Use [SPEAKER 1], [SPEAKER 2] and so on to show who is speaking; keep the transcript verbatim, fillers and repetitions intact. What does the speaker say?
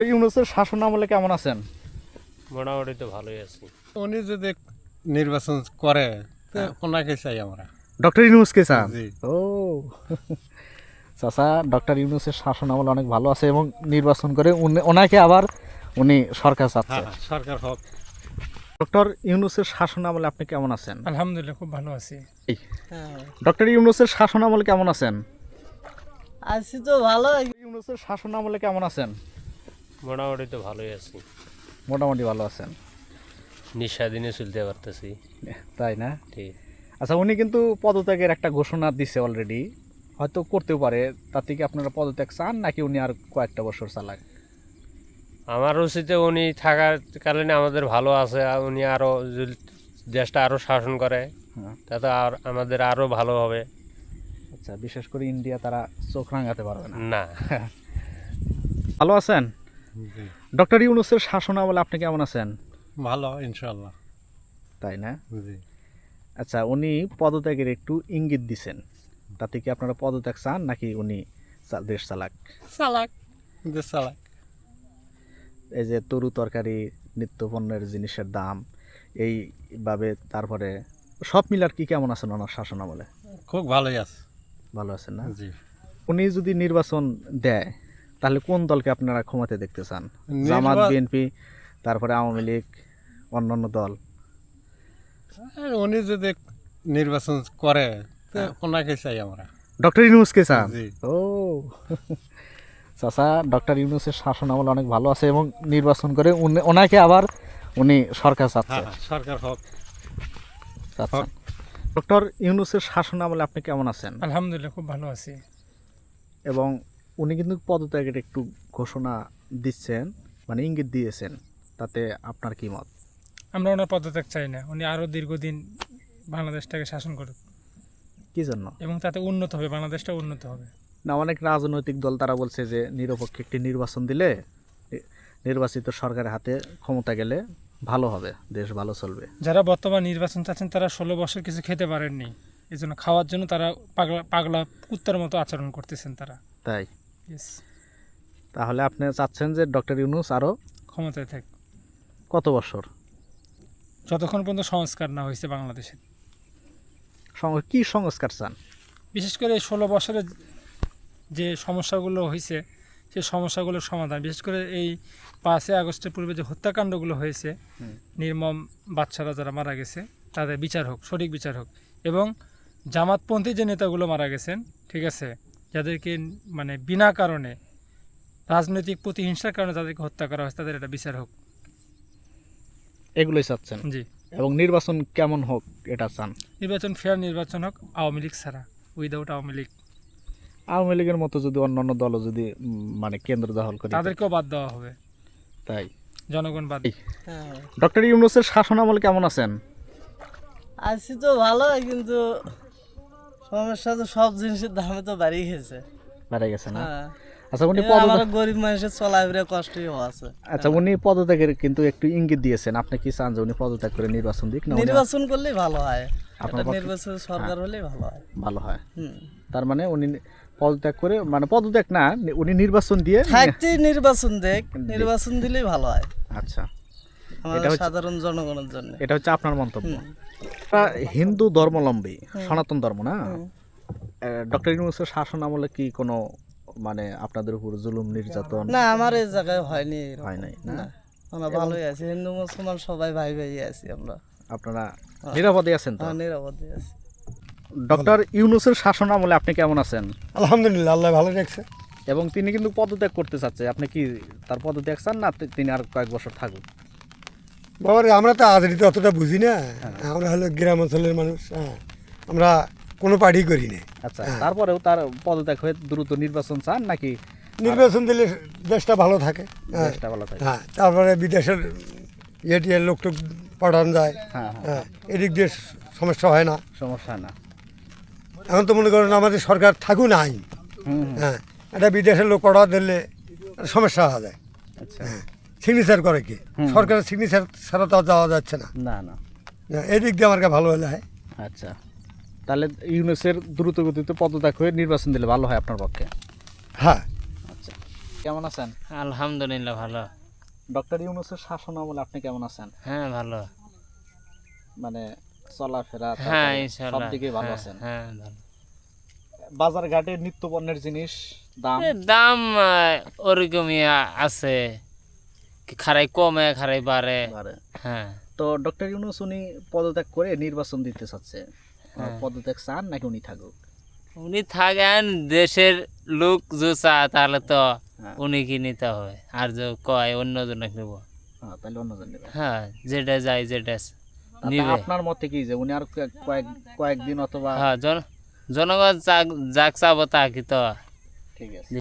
[SPEAKER 1] ইউনূসের শাসন আমলে কেমন আছেন?
[SPEAKER 2] মোটামুটি তো ভালোই আছি।
[SPEAKER 3] উনি যদি নির্বাচন করে ওনাকে চাই আমরা।
[SPEAKER 1] ডক্টর ইউনূসকে চান?
[SPEAKER 3] জি।
[SPEAKER 1] ও চাচা ডক্টর ইউনূসের শাসন আমল অনেক ভালো আছে এবং নির্বাচন করে উনি- ওনাকে আবার উনি সরকার চাচ্ছে।
[SPEAKER 3] হ্যাঁ, সরকার হোক।
[SPEAKER 1] ডক্টর ইউনূসের শাসন আমলে আপনি কেমন আছেন?
[SPEAKER 4] আলহামদুলিল্লাহ খুব ভালো আছি।
[SPEAKER 1] ডক্টর ইউনূসের শাসন আমলে কেমন আছেন?
[SPEAKER 5] আছি তো ভালো।
[SPEAKER 1] ইউনূসের শাসন আমলে কেমন আছেন?
[SPEAKER 2] মোটামুটি তো ভালোই আছি।
[SPEAKER 1] মোটামুটি ভালো আছেন,
[SPEAKER 2] নিঃস্বাধীনে চলতে পারতেছি।
[SPEAKER 1] তাই না?
[SPEAKER 2] ঠিক।
[SPEAKER 1] আচ্ছা, উনি কিন্তু পদত্যাগের একটা ঘোষণা দিছে অলরেডি, হয়তো করতেও পারে। তার থেকে আপনারা পদত্যাগ চান নাকি উনি আর কয়েকটা বছর চালাক?
[SPEAKER 2] আমার উচিতে উনি থাকার কারণে আমাদের ভালো আছে, আর উনি আরও যদি দেশটা আরও শাসন করে
[SPEAKER 1] হ্যাঁ।
[SPEAKER 2] তাতে আর আমাদের আরও ভালো হবে।
[SPEAKER 1] আচ্ছা, বিশেষ করে ইন্ডিয়া তারা চোখ রাঙাতে পারবে না।
[SPEAKER 2] না,
[SPEAKER 1] ভালো আছেন?
[SPEAKER 3] জি।
[SPEAKER 1] ডক্টর ইউনূসের শাসন আমলে আপনি কেমন আছেন?
[SPEAKER 3] ভালো ইনশাল্লাহ।
[SPEAKER 1] তাই না?
[SPEAKER 3] জি।
[SPEAKER 1] আচ্ছা, উনি পদত্যাগের একটু ইঙ্গিত দিছেন, তাতে কি আপনারা পদত্যাগ চান নাকি উনি চা- দেশ চালাক?
[SPEAKER 3] চালাক দেশ চালাক।
[SPEAKER 1] এই যে তরু তরকারি, নিত্যপণ্যের জিনিসের দাম এইভাবে, তারপরে সব মিলার কি কেমন আছেন ওনার শাসন আমলে?
[SPEAKER 3] খুব ভালোই আছে।
[SPEAKER 1] ভালো আছেন না?
[SPEAKER 3] জি।
[SPEAKER 1] উনি যদি নির্বাচন দেয় তাহলে কোন দলকে আপনারা ক্ষমতায় দেখতে চান? জামাত,
[SPEAKER 3] নির্বা-
[SPEAKER 1] বিএনপি, তারপরে আওয়ামী লীগ, অন্যান্য দল?
[SPEAKER 3] আর উনি যদি নির্বাচন করে ওনাকে চাই আমরা।
[SPEAKER 1] ডক্টর ইউনূসকে চান?
[SPEAKER 3] জি।
[SPEAKER 1] ও চাচা ডক্টর ইউনূসের শাসন আমল অনেক ভালো আছে এবং নির্বাচন করে উনি- ওনাকে আবার উনি সরকার চাচ্ছে।
[SPEAKER 3] হ্যাঁ, সরকার হোক।
[SPEAKER 1] চাচ্ছেন। ডক্টর ইউনূসের শাসন আমলে আপনি কেমন আছেন?
[SPEAKER 4] আলহামদুলিল্লাহ খুব ভালো আছি।
[SPEAKER 1] এবং উনি কিন্তু পদত্যাগের একটু ঘোষণা দিচ্ছেন, মানে ইঙ্গিত দিয়েছেন, তাতে আপনার কি মত?
[SPEAKER 4] আমরা ওনার পদত্যাগ চাই না, উনি আরও দীর্ঘদিন বাংলাদেশটাকে শাসন করুক
[SPEAKER 1] কি জন্য?
[SPEAKER 4] এবং তাতে উন্নত হবে, বাংলাদেশটা উন্নত হবে।
[SPEAKER 1] না, অনেক রাজনৈতিক দল তারা বলছে যে নিরপেক্ষ একটি নির্বাচন দিলে নি- নির্বাচিত সরকারের হাতে ক্ষমতা গেলে ভালো হবে, দেশ ভালো চলবে।
[SPEAKER 4] যারা বর্তমান নির্বাচন চাচ্ছেন তারা ষোলো বছর কিছু খেতে পারেননি, এই জন্য খাওয়ার জন্য তারা পাগলা পাগলা কুত্তার মতো আচরণ করতেছেন তারা।
[SPEAKER 1] তাই
[SPEAKER 4] Yes,
[SPEAKER 1] তাহলে আপনি চাচ্ছেন যে ডক্টর ইউনূস আরও
[SPEAKER 4] ক্ষমতায় থাক
[SPEAKER 1] কত বছর?
[SPEAKER 4] যতক্ষণ পর্যন্ত সংস্কার না হয়েছে বাংলাদেশে।
[SPEAKER 1] সং- কি সংস্কার চান?
[SPEAKER 4] বিশেষ করে এই ষোলো বছরে যে সমস্যাগুলো হয়েছে সেই সমস্যাগুলোর সমাধান, বিশেষ করে এই পাঁচই আগস্টের পূর্বে যে হত্যাকাণ্ডগুলো হয়েছে,
[SPEAKER 1] হুম।
[SPEAKER 4] নির্মম বাচ্চারা যারা মারা গেছে তাদের বিচার হোক, সঠিক বিচার হোক। এবং জামাতপন্থী যে নেতাগুলো মারা গেছেন, ঠিক আছে, যাদেরকে মানে বিনা কারণে রাজনৈতিক প্রতিহিংসার কারণে যাদেরকে হত্যা করা হয়েছে তাদের এটা বিচার হোক।
[SPEAKER 1] এগুলোই চাচ্ছেন?
[SPEAKER 4] জি।
[SPEAKER 1] এবং নির্বাচন কেমন হোক এটা চান?
[SPEAKER 4] নির্বাচন ফেয়ার নির্বাচন হোক, আওয়ামী লীগ ছাড়া, উইদাউট আওয়ামী লীগ।
[SPEAKER 1] আওয়ামী লীগের মতো যদি অন্যান্য দলও যদি উম, মানে কেন্দ্র দখল করে,
[SPEAKER 4] তাদেরকেও বাদ দেওয়া হবে,
[SPEAKER 1] তাই
[SPEAKER 4] জনগণ বাদ।
[SPEAKER 5] হ্যাঁ,
[SPEAKER 1] ডক্টর ইউনূসের শাসন আমলে কেমন আছেন?
[SPEAKER 5] আছি তো ভালো, কিন্তু সমস্যা তো সব জিনিসের দামে তো বাড়িয়ে গেছে।
[SPEAKER 1] বেড়ে গেছে না?
[SPEAKER 5] হ্যাঁ,
[SPEAKER 1] আচ্ছা, উনি
[SPEAKER 5] এই
[SPEAKER 1] পদত্যাগ
[SPEAKER 5] আমার গরিব মানুষের চলাফেরা কষ্টই আছে।
[SPEAKER 1] আচ্ছা উনি পদত্যাগের কিন্তু একটু ইঙ্গিত দিয়েছেন, আপনি কি চান যে উনি পদত্যাগ করে নির্বাচন দিক না উনি
[SPEAKER 5] নির্বাচন করলেই ভালো হয়,
[SPEAKER 1] আপনার
[SPEAKER 5] একটা
[SPEAKER 1] পক্ষে-
[SPEAKER 5] নির্বাচন সরকার হলেই ভালো হয়।
[SPEAKER 1] ভালো হয়?
[SPEAKER 5] হুম,
[SPEAKER 1] তার মানে উনি পদত্যাগ করে, মানে পদত্যাগ না, উনি নির্বাচন দিয়ে।
[SPEAKER 5] থাকতেই নির্বাচন দেখ, নির্বাচন দিলেই ভালো হয়
[SPEAKER 1] আচ্ছা,
[SPEAKER 5] আমাদের
[SPEAKER 1] হচ্ছে-
[SPEAKER 5] সাধারণ জনগণের জন্য।
[SPEAKER 1] এটা হচ্ছে আপনার মন্তব্য। তা হিন্দু ধর্মাবলম্বী, সনাতন ধর্ম না? ডক্টর ইউনূসের শাসন আমলে কি কোনো মানে আপনাদের উপর জুলুম নির্যাতন
[SPEAKER 5] না, আমার এই জায়গায় হয়নি এরকম।
[SPEAKER 1] হয় নাই না?
[SPEAKER 5] না, আমরা ভালোই আছি, হিন্দু মুসলমান সবাই ভাই ভাই আছি আমরা।
[SPEAKER 1] আপনারা নিরাপদে আছেন তো?
[SPEAKER 5] হ্যাঁ, নিরাপদে আছি।
[SPEAKER 1] ডক্টর ইউনূসের শাসন আমলে আপনি কেমন আছেন?
[SPEAKER 6] আলহামদুলিল্লাহ, আল্লাহ ভালো রাখছে।
[SPEAKER 1] এবং তিনি কিন্তু পদত্যাগ করতে চাচ্ছে, আপনি কি তার পদত্যাগ চান না তি- তিনি আর কয়েক বছর থাকুক?
[SPEAKER 6] বাবার আমরা তো আজরিতে অতটা বুঝি না, আমরা হলো গ্রাম অঞ্চলের মানুষ। হ্যাঁ, আমরা কোনো পার্টি করি না।
[SPEAKER 1] আচ্ছা, তারপরেও তার পদত্যাগ হয়ে দ্রুত নির্বাচন চান নাকি
[SPEAKER 6] নির্বাচন দিলে দেশটা ভালো থাকে। হ্যাঁ,
[SPEAKER 1] দেশটা ভালো থাকে?
[SPEAKER 6] হ্যাঁ, তারপরে বিদেশের ইয়ে লোক টোক পাঠানো যায়।
[SPEAKER 1] হ্যাঁ হ্যাঁ,
[SPEAKER 6] হ্যাঁ, এদিক দিয়ে সমস্যা হয় না।
[SPEAKER 1] সমস্যা না।
[SPEAKER 6] এখন তো মনে করেন আমাদের সরকার থাকুক নাই,
[SPEAKER 1] হুম,
[SPEAKER 6] হ্যাঁ, এটা বিদেশের লোক পাঠা দিলে সমস্যা হওয়া যায়।
[SPEAKER 1] আচ্ছা,
[SPEAKER 6] সিগনেচার করে কি, সরকারের সিগনেচার ছাড়া তো আর যাওয়া যাচ্ছে না।
[SPEAKER 1] না না,
[SPEAKER 6] হ্যাঁ, এদিক দিয়ে আমার কাছে ভালো হলে হয়।
[SPEAKER 1] আচ্ছা, তাহলে ইউনূসের দ্রুত গতিতে পদত্যাগ হয়ে নির্বাচন দিলে ভালো হয় আপনার পক্ষে?
[SPEAKER 6] হ্যাঁ,
[SPEAKER 1] আচ্ছা, কেমন আছেন?
[SPEAKER 7] আলহামদুলিল্লাহ ভালো।
[SPEAKER 1] ডক্টর ইউনূসের শাসন আমলে আপনি কেমন আছেন?
[SPEAKER 7] হ্যাঁ ভালো।
[SPEAKER 1] মানে চলাফেরা
[SPEAKER 7] হ্যাঁ
[SPEAKER 1] তারপরে
[SPEAKER 7] ইনশাআল্লাহ
[SPEAKER 1] সব দিকে ভালো
[SPEAKER 7] হ্যাঁ,
[SPEAKER 1] আছেন?
[SPEAKER 7] হ্যাঁ ভালো।
[SPEAKER 1] বাজার ঘাটে নিত্য পণ্যের জিনিস দাম
[SPEAKER 7] এ, দাম আহ, ওরকমই আ- আছে, খারাই কমে খারাই বাড়ে।
[SPEAKER 1] বাড়ে।
[SPEAKER 7] হ্যাঁ
[SPEAKER 1] তো ডক্টর ইউনূস উনি পদত্যাগ করে নির্বাচন দিতে চাচ্ছে,
[SPEAKER 7] হ্যাঁ।
[SPEAKER 1] পদত্যাগ চান নাকি উনি থাকুক?
[SPEAKER 7] উনি থাকেন, দেশের লোক যে চা তাহলে তো
[SPEAKER 1] হ্যাঁ।
[SPEAKER 7] উনি কি নিতে হবে, আর যে কয় অন্যজনে নেব।
[SPEAKER 1] হ্যাঁ, তাহলে অন্যজন নেবে।
[SPEAKER 7] হ্যাঁ যেটা যায় যেটা
[SPEAKER 1] তাতে
[SPEAKER 7] নিবে।
[SPEAKER 1] আপনার মতে কি যে উনি আর কয়েক- কয়েক কয়েকদিন অথবা
[SPEAKER 7] হ্যাঁ জন জনগণ যাক যাক চাবো তা কি তো
[SPEAKER 1] ঠিক আছে